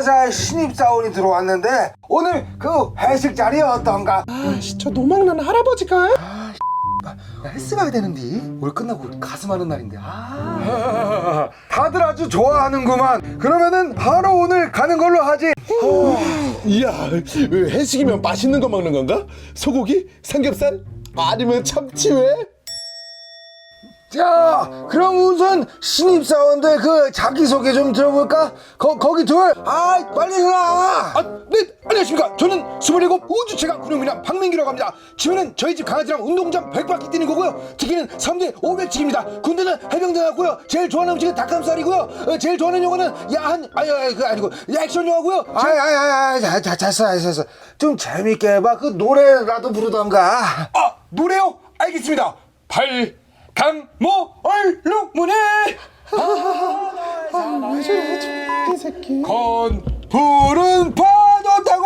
자자의 신입사원이 들어왔는데 오늘 그 회식 자리 어떤가? 아씨, 저 노망난 할아버지가? 헬스 가야 되는데 올 끝나고 가슴 하는 날인데 다들 아주 좋아하는구만. 그러면은 바로 오늘 가는 걸로 하지. 이야, 회식이면 맛있는 거 먹는 건가? 소고기? 삼겹살? 아니면 참치회? 자, 그럼 우선 신입사원들 그 자기소개 좀 들어볼까? 거기 둘, 빨리 해라. 네, 안녕하십니까. 저는 27 우주체감 군용미남 박민기라고 합니다. 취미는 저희 집 강아지랑 운동장 100바퀴 뛰는 거고요. 특기는 3대 500치기입니다. 군대는 해병대 나왔고요. 제일 좋아하는 음식은 닭가슴살이고요. 제일 좋아하는 영화는 야한, 그거 아니고 액션 영화고요. 됐어. 좀 재밌게 해봐. 그 노래라도 부르던가. 노래요? 알겠습니다. 강모 얼룩무늬 왜 저래, 이 새끼. 건푸른 파도 타고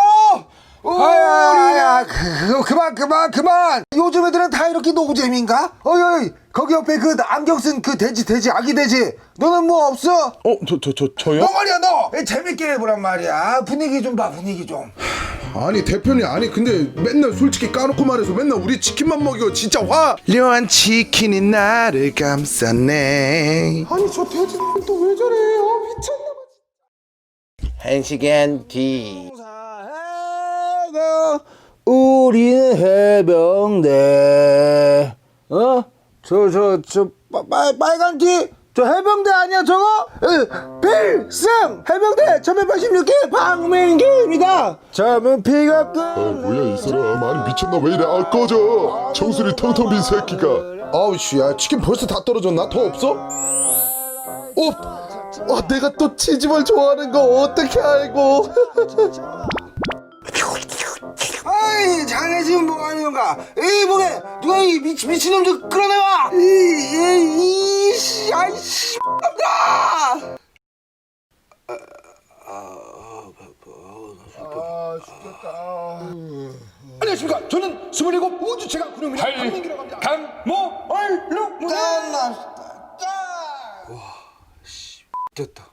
그만. 요즘 애들은 다 이렇게 노잼인가? 어이, 거기 옆에 그 안경 쓴 그 돼지, 아기 돼지. 너는 뭐 없어? 저요? 너 말이야, 너. 재밌게 해보란 말이야. 분위기 좀 봐, 분위기 좀. 아니 대표님, 아니 근데 맨날 솔직히 까놓고 말해서 맨날 우리 치킨만 먹여. 진짜 화려한 치킨이 나를 감쌌네. 아니 저 돼지 또 왜 저래? 미쳤나봐. 1시간 뒤. 우리는 해병대. 빨간 티? 저 해병대 아니야 저거? 필승! 해병대 1186기 박민기입니다. 젊은 피가 뭐야 이 사람, 아니 미쳤나? 왜 이래? 꺼져. 정수리 텅텅 빈 새끼가. 아우 씨야, 치킨 벌써 다 떨어졌나? 더 없어? 내가 또 치즈볼 좋아하는 거 어떻게 알고? 자네 지금 뭐 하는 건가? 목에 누가 이 미친놈 좀 끌어내와! 아이씨, 안녕하십니까. 저는 27 우주체감 군용미남 박민기라고 합니다. 강모 얼룩무늬 됐다.